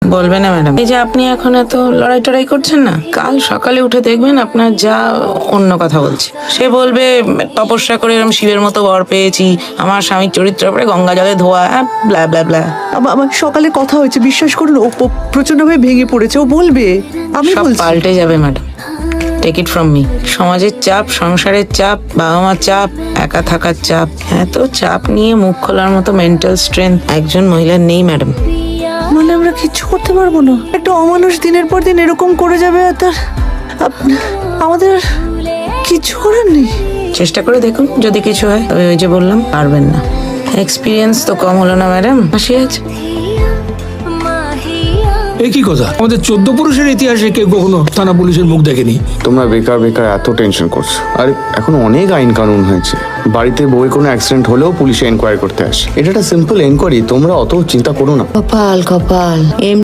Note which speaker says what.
Speaker 1: বলবে না ম্যাডাম, এই যে আপনি এখন এত লড়াই টড়াই করছেন না, কাল সকালে উঠে দেখবেন আপনার যা অন্য কথা বলছে। সে বলবে তপস্যা করে এরকম শিবের মতো বর পেয়েছি, আমার স্বামীর চরিত্র পরে গঙ্গা জলে ধোয়া, ব্লা ব্লা ব্লা।
Speaker 2: আমার সকালে কথা হয়েছে, বিশ্বাস করুন ও প্রচন্ডভাবে ভেঙে পড়েছে। ও বলবে, আমি
Speaker 1: সব
Speaker 2: বলছি।
Speaker 1: পাল্টে যাবে madam, take it from me. সমাজের চাপ, সংসারের চাপ, বাবা মার চাপ, একা থাকার চাপ, এত চাপ নিয়ে মুখ খোলার মতো মেন্টাল স্ট্রেংথ একজন মহিলার নেই ম্যাডাম।
Speaker 2: মানে আমরা কিচ্ছু করতে পারবো না? একটা অমানুষ দিনের পর দিন এরকম করে যাবে, আর তার আমাদের আর কিচ্ছু করার নেই।
Speaker 1: চেষ্টা করে দেখুন, যদি কিছু হয়। তবে ওই যে বললাম, পারবেন না। এক্সপিরিয়েন্স তো কম হলো না ম্যাডাম, হাসি আছে।
Speaker 3: একই কথা, আমাদের 14 পুরুষের ইতিহাসে কেউ কখনো থানা পুলিশের মুখ দেখেনি।
Speaker 4: তোমরা বেকার বেকার এত টেনশন করছো। আর এখন অনেক আইন কানুন হয়েছে, বাড়িতে বউয়ের কোনো অ্যাক্সিডেন্ট হলেও পুলিশে এনকোয়ারি করতে আসে। এটা একটা সিম্পল এনকোয়ারি, তোমরা অত চিন্তা করো না।
Speaker 1: কপাল কপাল,